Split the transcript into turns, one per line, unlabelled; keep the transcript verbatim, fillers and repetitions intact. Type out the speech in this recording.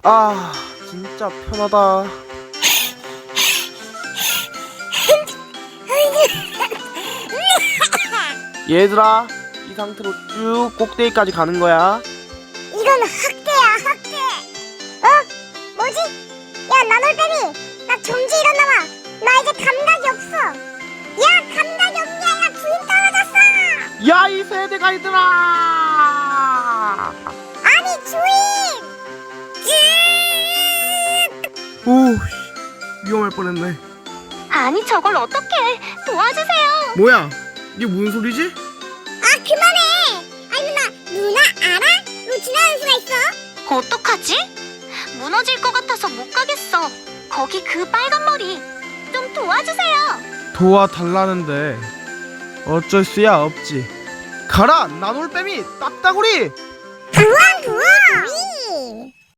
아, 진짜 편하다. 얘들아, 이 상태로 쭉 꼭대기까지 가는 거야.
이건 학대야, 학대. 어? 뭐지? 야, 나놀뱀이, 나 정지 일어나봐. 나 이제 감각이 없어. 야, 감각이 없냐? 야, 주인 떨어졌어.
야, 이 세대 가이들아!
아니, 주인.
오, 위험할 뻔했네.
아니 저걸 어떻게 도와주세요.
뭐야? 이게 무슨 소리지?
아, 그만해. 아니, 누나, 누나 알아? 로 지나가는 수가 있어.
어떡하지? 무너질 것 같아서 못 가겠어. 거기 그 빨간 머리 좀 도와주세요.
도와달라는데 어쩔 수야 없지. 가라, 나놀뱀이 딱따구리!
구원, 구원.